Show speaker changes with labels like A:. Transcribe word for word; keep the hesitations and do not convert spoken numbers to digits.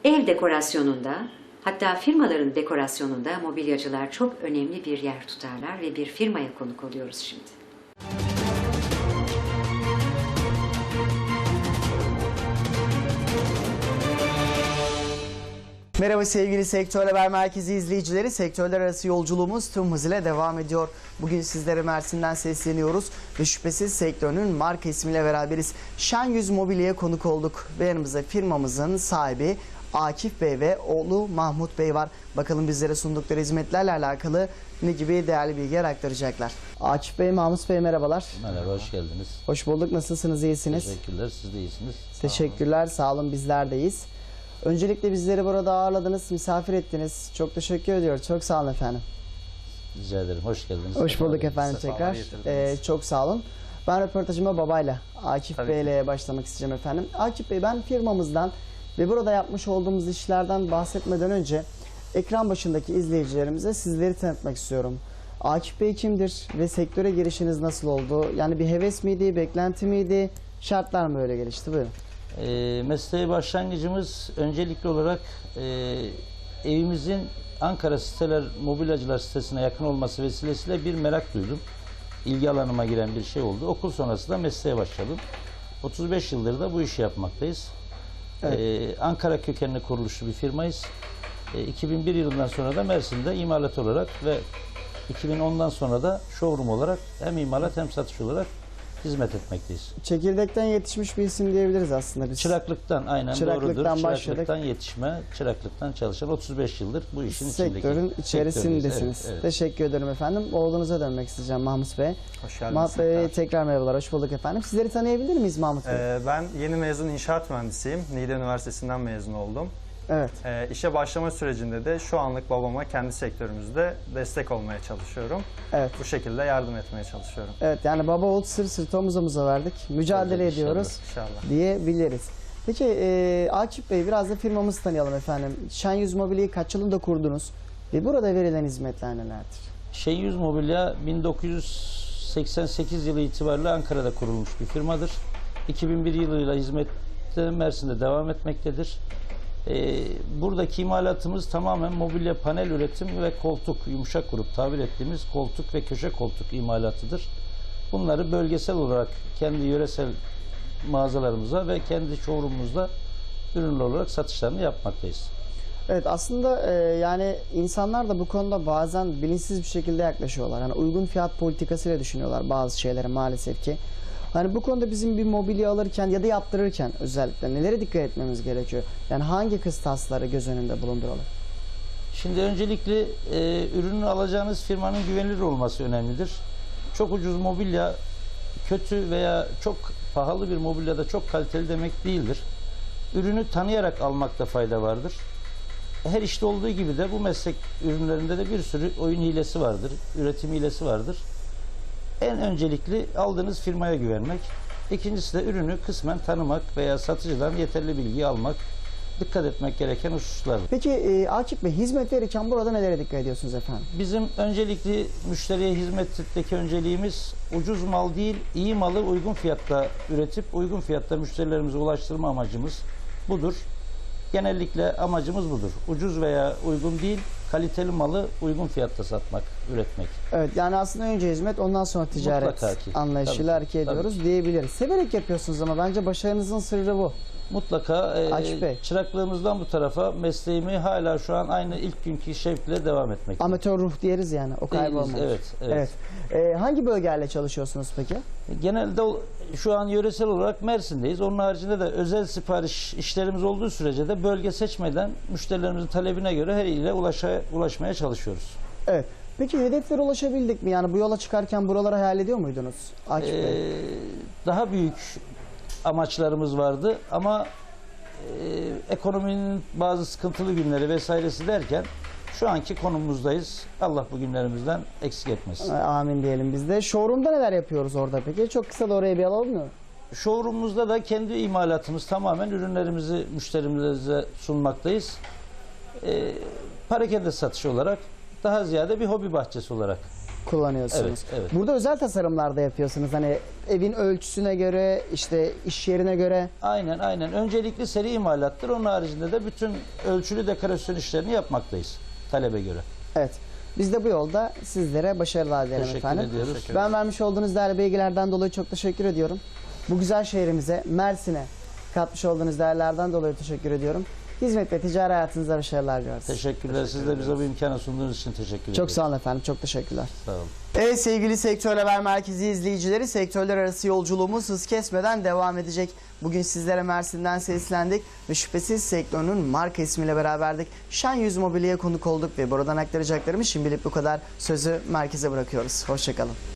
A: Ev dekorasyonunda, hatta firmaların dekorasyonunda mobilyacılar çok önemli bir yer tutarlar ve bir firmaya konuk oluyoruz şimdi.
B: Merhaba sevgili Sektör Haber Merkezi izleyicileri. Sektörler arası yolculuğumuz tüm hızıyla devam ediyor. Bugün sizlere Mersin'den sesleniyoruz ve şüphesiz sektörün marka ismiyle beraberiz. Şen Yüz Mobilya'ya konuk olduk ve yanımızda firmamızın sahibi Akif Bey ve oğlu Mahmut Bey var. Bakalım bizlere sundukları hizmetlerle alakalı ne gibi değerli bilgiler aktaracaklar. Akif Bey, Mahmut Bey merhabalar.
C: Merhaba, hoş geldiniz.
B: Hoş bulduk. Nasılsınız, iyisiniz?
C: Teşekkürler, siz de iyisiniz.
B: Teşekkürler, sağ olun, bizler de iyiyiz. Öncelikle bizleri burada ağırladınız, misafir ettiniz. Çok teşekkür ediyoruz. Çok sağ olun efendim.
C: Rica ederim, hoş geldiniz.
B: Hoş bulduk efendim tekrar. Ee, çok sağ olun. Ben röportajıma babayla, Akif Bey ile başlamak isteyeceğim efendim. Akif Bey, ben firmamızdan ve burada yapmış olduğumuz işlerden bahsetmeden önce ekran başındaki izleyicilerimize sizleri tanıtmak istiyorum. Akif Bey kimdir ve sektöre girişiniz nasıl oldu? Yani bir heves miydi, beklenti miydi, şartlar mı öyle gelişti? Buyurun.
C: E, mesleğe başlangıcımız öncelikli olarak e, evimizin Ankara Siteler Mobilyacılar sitesine yakın olması vesilesiyle bir merak duydum. İlgi alanıma giren bir şey oldu. Okul sonrası da mesleğe başladım. otuz beş yıldır da bu işi yapmaktayız. Evet. E, Ankara kökenli kuruluşlu bir firmayız. E, iki bin bir yılından sonra da Mersin'de imalat olarak ve iki bin ondan sonra da showroom olarak hem imalat hem satış olarak hizmet etmekteyiz.
B: Çekirdekten yetişmiş bir isim diyebiliriz aslında biz.
C: Çıraklıktan, aynen
B: Çıraklıktan
C: doğrudur.
B: başladık.
C: Çıraklıktan yetişme, çıraklıktan çalışan otuz beş yıldır bu işin
B: sektörün içerisindesiniz. Evet, evet. Teşekkür ederim efendim. Oğlunuza dönmek isteyeceğim, Mahmut Bey.
D: Hoş geldiniz.
B: Mahmut Bey tekrar merhabalar, hoş bulduk efendim. Sizleri tanıyabilir miyiz Mahmut Bey?
D: Ee, ben yeni mezun inşaat mühendisiyim. Niğde Üniversitesi'nden mezun oldum.
B: Evet.
D: Ee, işe başlama sürecinde de şu anlık babama kendi sektörümüzde destek olmaya çalışıyorum.
B: Evet.
D: Bu şekilde yardım etmeye çalışıyorum.
B: Evet, yani baba oğul sır sırtı omuz omuza verdik. Mücadele
C: Tabii,
B: ediyoruz
D: İnşallah.
B: diyebiliriz. Peki e, Akif Bey, biraz da firmamızı tanıyalım efendim. Şen Yüz Mobilya'yı kaç yılında kurdunuz ve burada verilen hizmetler nelerdir?
C: Şen Yüz Mobilya bin dokuz yüz seksen sekiz yılı itibariyle Ankara'da kurulmuş bir firmadır. iki bin bir yılıyla hizmette Mersin'de devam etmektedir. Ee, buradaki imalatımız tamamen mobilya panel üretim ve koltuk, yumuşak grup tabir ettiğimiz koltuk ve köşe koltuk imalatıdır. Bunları bölgesel olarak kendi yöresel mağazalarımıza ve kendi showroom'umuzda ürünler olarak satışlarını yapmaktayız.
B: Evet, aslında e, yani insanlar da bu konuda bazen bilinçsiz bir şekilde yaklaşıyorlar. Yani uygun fiyat politikasıyla düşünüyorlar bazı şeylere maalesef ki. Hani bu konuda bizim bir mobilya alırken ya da yaptırırken özellikle nelere dikkat etmemiz gerekiyor? Yani hangi kıstasları göz önünde bulunduralım?
C: Şimdi öncelikle e, ürünü alacağınız firmanın güvenilir olması önemlidir. Çok ucuz mobilya kötü veya çok pahalı bir mobilya da çok kaliteli demek değildir. Ürünü tanıyarak almakta fayda vardır. Her işte olduğu gibi de bu meslek ürünlerinde de bir sürü oyun hilesi vardır, üretim hilesi vardır. En öncelikli aldığınız firmaya güvenmek. İkincisi de ürünü kısmen tanımak veya satıcıdan yeterli bilgiyi almak. Dikkat etmek gereken hususlar.
B: Peki e, Akif Bey, hizmet verirken burada nelere dikkat ediyorsunuz efendim?
C: Bizim öncelikli müşteriye hizmetteki önceliğimiz ucuz mal değil, iyi malı uygun fiyatta üretip uygun fiyatta müşterilerimize ulaştırma amacımız budur. Genellikle amacımız budur. Ucuz veya uygun değil, kaliteli malı uygun fiyatta satmak, üretmek.
B: Evet, yani aslında önce hizmet, ondan sonra ticaret anlayışıyla hareket ediyoruz
C: tabii.
B: diyebiliriz. Severek yapıyorsunuz ama bence başarınızın sırrı bu.
C: Mutlaka e, çıraklığımızdan bu tarafa mesleğimi hala şu an aynı ilk günkü şevkle devam etmek.
B: Amatör ruh diyeriz yani, o kaybolmaz.
C: Evet, evet.
B: evet. Ee, hangi bölgeyle çalışıyorsunuz peki?
C: Genelde şu an yöresel olarak Mersin'deyiz. Onun haricinde de özel sipariş işlerimiz olduğu sürece de bölge seçmeden müşterilerimizin talebine göre her ile ulaşa, ulaşmaya çalışıyoruz.
B: Evet. Peki hedeflere ulaşabildik mi? Yani bu yola çıkarken buraları hayal ediyor muydunuz Akif
C: ee,
B: Bey?
C: Daha büyük amaçlarımız vardı ama e, ekonominin bazı sıkıntılı günleri vesairesi derken şu anki konumumuzdayız. Allah bu günlerimizden eksik etmesin.
B: Amin diyelim biz de. Showroom'da neler yapıyoruz orada peki? Çok kısa da oraya bir alalım mı?
C: Showroom'umuzda da kendi imalatımız, tamamen ürünlerimizi müşterimize sunmaktayız. E, parakende satışı olarak, daha ziyade bir hobi bahçesi olarak
B: kullanıyorsunuz.
C: Evet, evet.
B: Burada özel tasarımlar da yapıyorsunuz. Hani evin ölçüsüne göre, işte iş yerine göre.
C: Aynen aynen. Öncelikli seri imalattır. Onun haricinde de bütün ölçülü dekorasyon işlerini yapmaktayız talebe göre.
B: Evet. Biz de bu yolda sizlere başarılar dilerim
C: Teşekkür
B: efendim.
C: ediyoruz.
D: Teşekkür
B: Ben vermiş olduğunuz değerli bilgilerden dolayı çok teşekkür ediyorum. Bu güzel şehrimize, Mersin'e katmış olduğunuz değerlerden dolayı teşekkür ediyorum. Hizmet ve ticari hayatınızda başarılar diliyoruz.
C: Teşekkürler. Siz de bize bu imkanı sunduğunuz için teşekkür ederim.
B: Çok sağ olun efendim. Çok teşekkürler.
C: Sağ olun.
B: Evet sevgili Sektör Haber Merkezi izleyicileri, sektörler arası yolculuğumuz hız kesmeden devam edecek. Bugün sizlere Mersin'den seslendik ve şüphesiz sektörün marka ismiyle beraberdik. Şen Yüz Mobilya'ya konuk olduk ve buradan aktaracaklarımız şimdilik bu kadar. Sözü merkeze bırakıyoruz. Hoşçakalın.